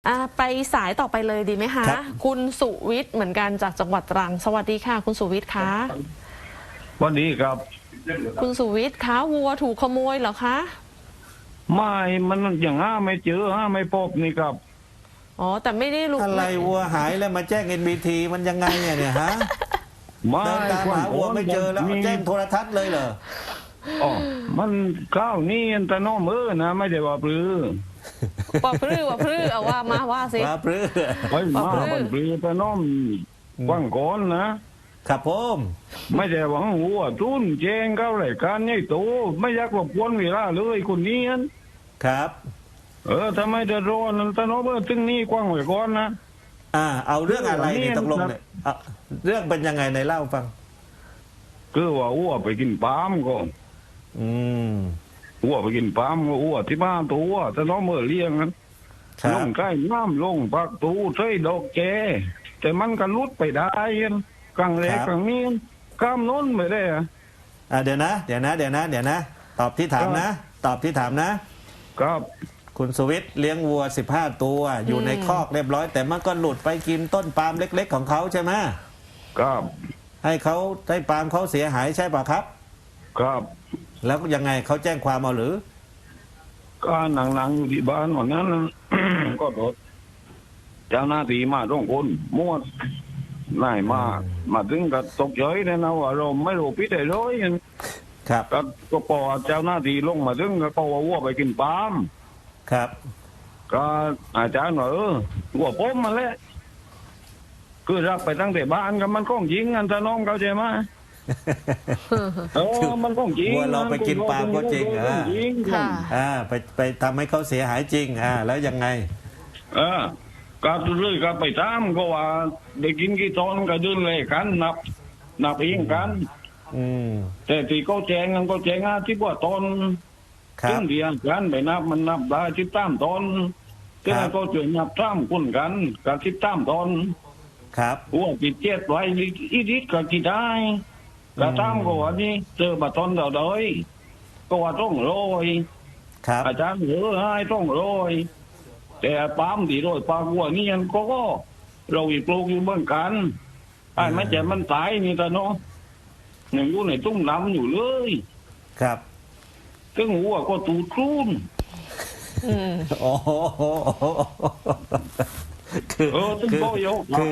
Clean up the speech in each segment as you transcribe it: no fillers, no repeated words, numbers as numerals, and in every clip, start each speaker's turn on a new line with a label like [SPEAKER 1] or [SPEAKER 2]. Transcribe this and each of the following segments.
[SPEAKER 1] ไปสายต่อไปเลยดีไหมคะคุณสุวิทย์เหมือนกันจากจังหวัดตรังสวัสดีค่ะคุณสุวิทย์คะ
[SPEAKER 2] สวัสดีครับ
[SPEAKER 1] คุณสุวิทย์คะวัวถูกขโมยเหรอคะ
[SPEAKER 2] ไม่มันอย่างไม่เจอไม่พบนี่ครับ
[SPEAKER 1] อ๋อแต่ไม่ได้รู้
[SPEAKER 3] อะไรวัวหายแล้วมาแจ้ง NBT มันยังไงเนี่ยฮะ
[SPEAKER 2] ไม่
[SPEAKER 3] ตามหาวัวไม่เจอแล้วแจ้งโทรทัศน์เลยเหรอ
[SPEAKER 2] อ๋อมันข้าวนี่แต่น้องนะไม่ได้ว่าปลือ
[SPEAKER 1] ปอพลื้อว่าพลื้อเอาว่าสิ
[SPEAKER 3] ว่าพลื้อ
[SPEAKER 2] ไปมาบันปลือแต่น้องว่างก่อนนะครับ
[SPEAKER 3] ผม
[SPEAKER 2] ไม่ได้หวังหัวทุนแจ้งเข้ารายการใหญ่โตไม่อยากรบกวนเวลาเลยคนนี้
[SPEAKER 3] ครับ
[SPEAKER 2] ทำไมเดือดร้อนแต่น้องถึงนี่กว้างไว้ก่อนนะ
[SPEAKER 3] เอาเรื่องอะไรนี่ตกลงเนี่ยเรื่องเป็นยังไงในเล่าฟัง
[SPEAKER 2] คือว่าอ้วไปกินปาล์มก่อนอ้วไปกินปาล์มก็อ้วที่บ้านตัวแต่น้องเลี้ยงนั้นลงใกล้น้ำลงปักตูใส่ดอกแกแต่มันก็ลุดไปได้กลางเล็กกลางนี้ข้ามน้นไปได้
[SPEAKER 3] เดี๋ยวนะตอบที่ถามนะครับคุณสุวิทย์เลี้ยงวัว15 ตัวอยู่ในคอกเรียบร้อยแต่มันก็หลุดไปกินต้นปาล์มเล็กๆของเขาใช่ไหม
[SPEAKER 2] ครับ
[SPEAKER 3] ให้ปาล์มเขาเสียหายใช่ป่ะครับ
[SPEAKER 2] ครับ
[SPEAKER 3] แล้วยังไงเขาแจ้งความเอาหรือ
[SPEAKER 2] ก็หนังอยู่ที่บ้านวันนั้นก็โดนเจ้าหน้าที่มาต้องคนมั่วน่ายมาถึงกับตกใจเลยนะว่าเราไม่รู้พิษอะไรเลย
[SPEAKER 3] ครับ
[SPEAKER 2] ก็พอเจ้าหน้าที่ลงมาถึงก็ว่าวัวไปกินปาล์ม
[SPEAKER 3] ครับ
[SPEAKER 2] ก็อาจารย์ว่าวัวป้มมาแล้วคือรับไปตั้งแต่บ้านกับมันก้องยิงกันถ้าน้องเข้าใจไหมมันก้องยิง
[SPEAKER 3] วัวเราไปกินปาล์มก็จริงไปทำให้เขาเสียหายจริงแล้วยังไง
[SPEAKER 2] ก็เลยก็ไปตามก็ว่าได้กินกี่ตอนก็ดื่นเลยกันนับเองกันแต่ที่เขาแจ้งที่ว่าตอนซึ่งเดียวกันไปมันนับได้13 ตอนซึ่งก็จะนับ3 คนกันกับ13 ตอน
[SPEAKER 3] ครับ
[SPEAKER 2] หัวจิตเจ็ดไว้อีดิก็กี่ได้กระตั้งก็ว่านี่เจอมาตอนเดิมก็ว่าต้องโรยอาจารย์ให้ต้องโรยแต่ปั๊มดีโรยปลาวัวนี่ยังก็เราอีกปลูกอยู่เหมือนกันไม่ใช่มันตายนี่แต่เนาะหนึ่งอยู่ในตุ้งน้ำอยู่เลย
[SPEAKER 3] ครับ
[SPEAKER 2] ซึ่งหัวก็ตูดครูน
[SPEAKER 3] คือพอ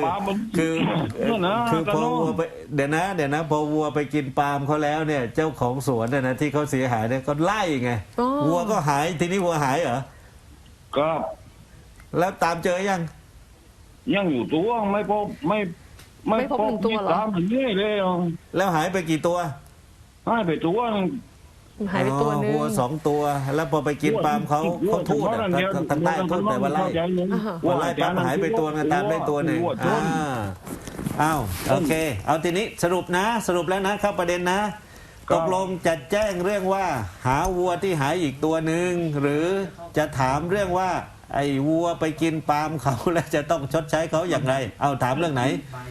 [SPEAKER 3] วัวไปเดี๋ยวนะพอวัวไปกินปาล์มเขาแล้วเนี่ยเจ้าของสวนนะที่เขาเสียหายเนี่ยก็ไล่ไงวัวก็หายทีนี้วัวหายเหรอ
[SPEAKER 2] ครับ
[SPEAKER 3] แล้วตามเจอยัง
[SPEAKER 2] อยู่ตัวไม่พบ
[SPEAKER 1] ตัวหรอ
[SPEAKER 2] ตามเรื่อยเลย
[SPEAKER 3] แล้วหายไปกี่ตัว
[SPEAKER 2] หายไปตัว
[SPEAKER 1] นึง
[SPEAKER 3] วัว2 ตัวแล้วพอไปกินปาล์มเขาทูดทางใต้ทูดแต่ว่าไล่ปั๊บหายไปตัวนึงตามได้ตัวหนึ่งโอเคเอาทีนี้สรุปแล้วนะเข้าประเด็นนะตกลงจะแจ้งเรื่องว่าหาวัวที่หายอีกตัวหนึ่งหรือจะถามเรื่องว่าไอ้วัวไปกินปาล์มเขาแล้วจะต้องชดใช้เขาอย่างไรเอาถามเรื่องไหน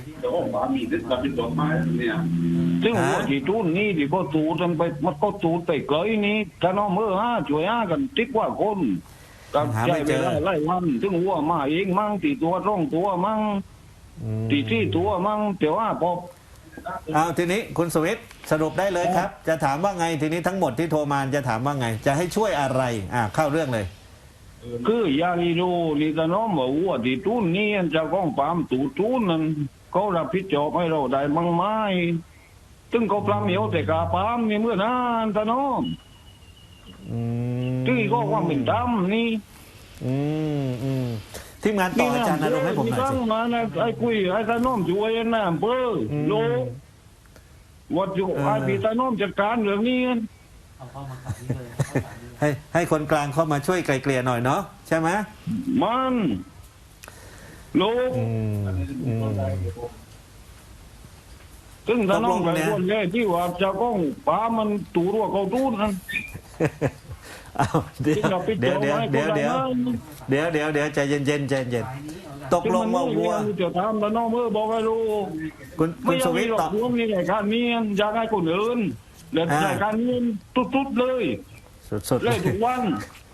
[SPEAKER 2] ซึ่งวัวที่ตูนนี่ที่ก็ตูนไปมันก็ตูนไปไกลนี้ถ้าน้องช่วยกันติ๊กว่าคนกับใจเวลาไล่วันซึ่งวัวมาเองมั่งตีตัว2 ตัวมั่งตี4 ตัวมั่งแต่ว่าพอ
[SPEAKER 3] เอาทีนี้คุณสวิทย์สรุปได้เลยครับจะถามว่าไงทีนี้ทั้งหมดที่โทรมาจะถามว่าไงจะให้ช่วยอะไรเข้าเรื่องเลย
[SPEAKER 2] คืออย่างนี้ดูนี่แต่น้องบอกว่าที่ตูนนี่จะก้องปามตูนนั่นเขารับผิดชอบให้เราได้มั่งไหมซึ่งเขาปลาเหมียวแต่กาปามนี่เมื่อนานแต่น้องที่ก็ความเป็นดำนี่
[SPEAKER 3] ทีมงานต่ออาจารย์นรงค์ให้ผมหน่อยสิ
[SPEAKER 2] มาไอ้คุยไอ้ตาน้อมช่วยนะเบอร์โลวัดอยู่ไอ้พี่ตาน้อมจัดการเรื่องนี้
[SPEAKER 3] ให้คนกลางเข้ามาช่วยไกลเกลี่ยหน่อยเนาะใช่ไหม
[SPEAKER 2] มันโลซึ่งตาน้อมไปคนแรกที่ว่าจะก้องป้ามันตูรั่วเขาตูนนั่น
[SPEAKER 3] เดี๋ยวใจเย็นตกลงว่าวัว
[SPEAKER 2] จะทำแล้วน้องบอกให้รู้
[SPEAKER 3] คุณสวิทย์ตอบ
[SPEAKER 2] มีรายการนี้อยากให้คนอื่นเล่นรายการนี้ตุ๊ดเลย
[SPEAKER 3] สุด
[SPEAKER 2] เลยทุกวัน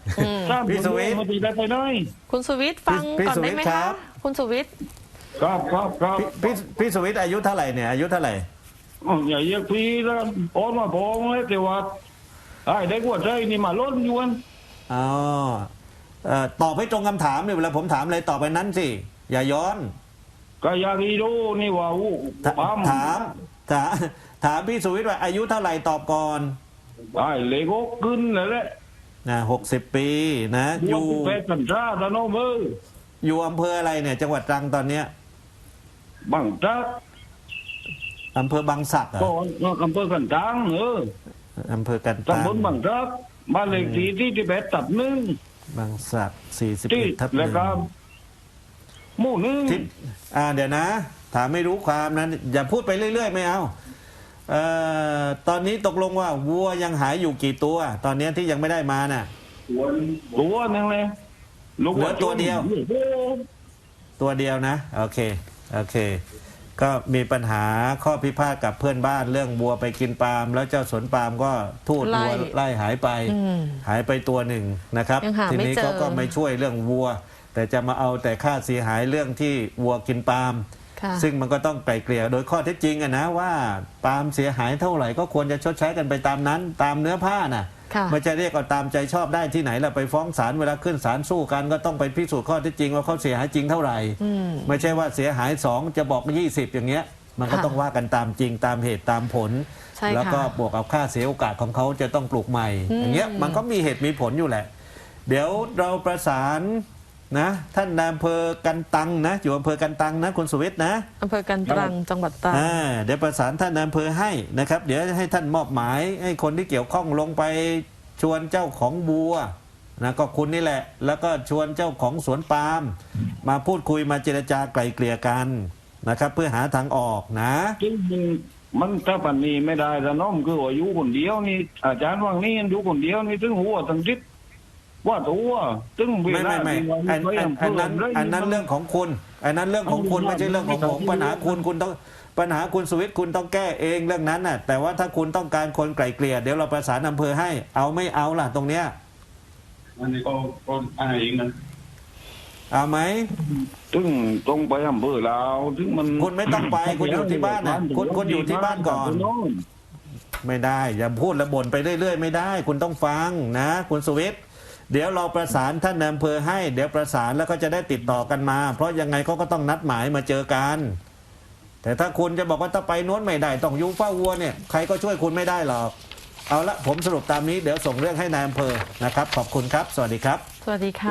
[SPEAKER 2] ถ้า
[SPEAKER 3] พี่สุวิทย์
[SPEAKER 2] มาตีได้ไปไหน
[SPEAKER 1] คุณสุวิทย์ฟัง
[SPEAKER 3] พี่
[SPEAKER 1] ก่อนได้ไหม
[SPEAKER 3] สุวิทย์ครั
[SPEAKER 1] คะ
[SPEAKER 3] บ
[SPEAKER 1] คุณสุวิทย์
[SPEAKER 2] ครับครับครับ
[SPEAKER 3] พี่สวิทย์อายุเท่าไหร่เนี่ยอายุเท่าไหร่
[SPEAKER 2] อย่าเรียกพี่แล้วโอนมาพองเลยแต่ว่าไอ้ได้กว่าใจนี่มาล้นยวน
[SPEAKER 3] อ๋อตอบให้ตรงคำถามเนี่ยเวลาผมถามอะไรตอบไปนั้นสิอย่าย้อน
[SPEAKER 2] ก็อยากรีดูนี่ว่าอู้
[SPEAKER 3] ถามถามพี่สุวิทย์ว่าอายุเท่าไหร่ตอบก่อน
[SPEAKER 2] ไอ้เลโก้ขึ้นเลยแหละ
[SPEAKER 3] นะ60 ปีนะอ
[SPEAKER 2] อยู่
[SPEAKER 3] ยู่
[SPEAKER 2] เป็ดกันซ่าตะโนมือ
[SPEAKER 3] อยู่อำเภออะไรเนี่ยจังหวัดตรังตอนเนี้ย
[SPEAKER 2] บังจัก
[SPEAKER 3] อำเภอบางสักเหร
[SPEAKER 2] ก็
[SPEAKER 3] อ
[SPEAKER 2] อำเภอกันตัง
[SPEAKER 3] อำเภอกันตัง
[SPEAKER 2] ตำบลบังจักบ้านเลขที่ที่เป็ดตับหนึ่ง
[SPEAKER 3] บางสัก
[SPEAKER 2] ที่
[SPEAKER 3] 41 ทับ
[SPEAKER 2] แล้วก็หมู่หนึ่ง
[SPEAKER 3] ทิศเดี๋ยวนะ ถามไม่รู้ความนะอย่าพูดไปเรื่อยๆไม่เอาตอนนี้ตกลงว่าวัวยังหายอยู่กี่ตัว ตอนนี้ที่ยังไม่ได้มาน่ะ
[SPEAKER 2] ตัวนึงเลยลูก
[SPEAKER 3] เหลือตัวเดียว ตัวเดียวนะโอเคโอเค ก็มีปัญหาข้อพิพาทกับเพื่อนบ้านเรื่องวัวไปกินปาล์มแล้วเจ้าสวนปาล์มก็ทูตวัวไล่หายไป หายไปตัวหนึ่งนะครับ
[SPEAKER 1] ยังหา
[SPEAKER 3] ที
[SPEAKER 1] ไม่
[SPEAKER 3] นี้
[SPEAKER 1] เจอ
[SPEAKER 3] เขาก็ไม่ช่วยเรื่องวัว แต่จะมาเอาแต่ค่าเสียหายเรื่องที่วัวกินปาล์ม
[SPEAKER 1] ค่ะ
[SPEAKER 3] ซึ่งมันก็ต้องไกลเกลี่ยโดยข้อเท็จจริงอะนะว่าปาล์มเสียหายเท่าไหร่ก็ควรจะชดใช้กันไปตามนั้นตามเนื้อผ้าน่ะ
[SPEAKER 1] ค่ะ
[SPEAKER 3] ไม่จะเรียกเอาตามใจชอบได้ที่ไหนล่ะไปฟ้องศาลเวลาขึ้นศาลสู้กันก็ต้องไปพิสูจน์ข้อเท็จจริงว่าเขาเสียหายจริงเท่าไหร่ ไม่ใช่ว่าเสียหาย2จะบอก20อย่างเงี้ยมันก็
[SPEAKER 1] ค่ะ
[SPEAKER 3] ต้องว่ากันตามจริงตามเหตุตามผล
[SPEAKER 1] ใช่ค่ะ
[SPEAKER 3] แล้วก็บวกกับค่าเสียโอกาสของเขาจะต้องปลูกใหม่ อย่างเงี้ยมันก็มีเหตุมีผลอยู่แหละ เดี๋ยวเราประสานนะท่านนายอำเภอกันตังนะอยู่อำเภอกันตังนะคุณสุวิทย์นะ
[SPEAKER 1] อำเภอกันตรังจังหวัดตรัง
[SPEAKER 3] เดี๋ยวประสานท่านนายอำเภอให้นะครับ เดี๋ยวให้ท่านมอบหมายให้คนที่เกี่ยวข้องลงไปชวนเจ้าของบัวนะก็คุณนี่แหละ แล้วก็ชวนเจ้าของสวนปาล์มมาพูดคุยมาเจรจาไกล่เกลี่ยกันนะครับ เพื่อหาทางออกนะ
[SPEAKER 2] จริงมันถ้าปันนี้ไม่ได้แต่น้องคือว่าอยู่คนเดียวนี่อาจารย์ว่างนี่อยู่คนเดียวนี่ถึงหัวทั้งทิศว่าตัวถึงเว
[SPEAKER 3] ไม่
[SPEAKER 2] ลา
[SPEAKER 3] อันนั้นเรื่องของคุณอันนั้นเรื่องของคุณไม่ใช่เรื่องของผมปัญหาคุณต้องปัญหาคุณสุวิทย์คุณต้องแก้เองเรื่องนั้นน่ะแต่ว่าถ้าคุณต้องการคนไกล่เกลี่ยเดี๋ยวเราประสานอำเภอให้เอาไม่เอาล่ะตรงเนี้ย
[SPEAKER 2] อันนี้ก็อะไรเองนะ
[SPEAKER 3] เอาไหม
[SPEAKER 2] ถึงตรงไปอำเภอเราถึงมัน
[SPEAKER 3] คุณไม่ต้องไปคุณอยู่ที่บ้านน่ะคุณอยู่ที่บ้านก่อน ไม่ได้อย่าพูดและบ่นไปเรื่อยๆไม่ได้ คุณต้องฟังนะคุณสุวิทย์เดี๋ยวเราประสานท่านนายอำเภอให้เดี๋ยวประสานแล้วก็จะได้ติดต่อกันมา เพราะยังไงเขาก็ต้องนัดหมายมาเจอกัน แต่ถ้าคุณจะบอกว่าถ้าไปโน้นไม่ได้ต้องอยู่เฝ้าวัวเนี่ยใครก็ช่วยคุณไม่ได้หรอกเอาละผมสรุปตามนี้เดี๋ยวส่งเรื่องให้นายอำเภอนะครับขอบคุณครับสวัสดีครับ
[SPEAKER 1] สวัสดีค่ะ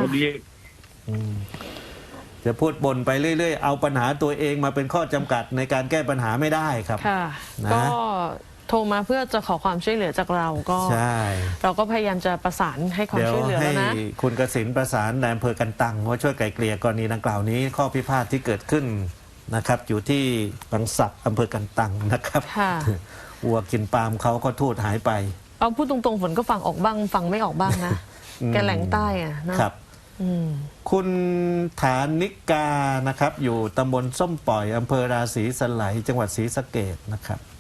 [SPEAKER 3] จะพูดบ่นไปเรื่อยๆเอาปัญหาตัวเองมาเป็นข้อจำกัดในการแก้ปัญหาไม่ได้ครับ
[SPEAKER 1] ค่ะ
[SPEAKER 3] นะ
[SPEAKER 1] ก็โทรมาเพื่อจะขอความช่วยเหลือจากเราก็
[SPEAKER 3] ใช่
[SPEAKER 1] เราก็พยายามจะประสานให้ความ
[SPEAKER 3] เดี๋ยว
[SPEAKER 1] ช่วยเหลือ
[SPEAKER 3] ให้
[SPEAKER 1] แล้วนะ
[SPEAKER 3] คุณกสินประสานนายอำเภอกันตังว่าช่วยไกล่เกลี่ยกรณีดังกล่าวนี้ ข้อพิพาทที่เกิดขึ้นนะครับ อยู่ที่บางสักอำเภอกันตังนะครับ
[SPEAKER 1] ค่ะ
[SPEAKER 3] วัวกินปาล์มเขาก็ทูตหายไป
[SPEAKER 1] เอาพูดตรงๆฝนก็ฟังออกบ้างฟังไม่ออกบ้างนะ แกแหลงใต้อะเนอะ
[SPEAKER 3] ครับ
[SPEAKER 1] อืม
[SPEAKER 3] คุณฐานิกานะครับ อยู่ตำบลส้มปล่อยอำเภอราศีสไลยจังหวัดศรีสะเกษนะครับ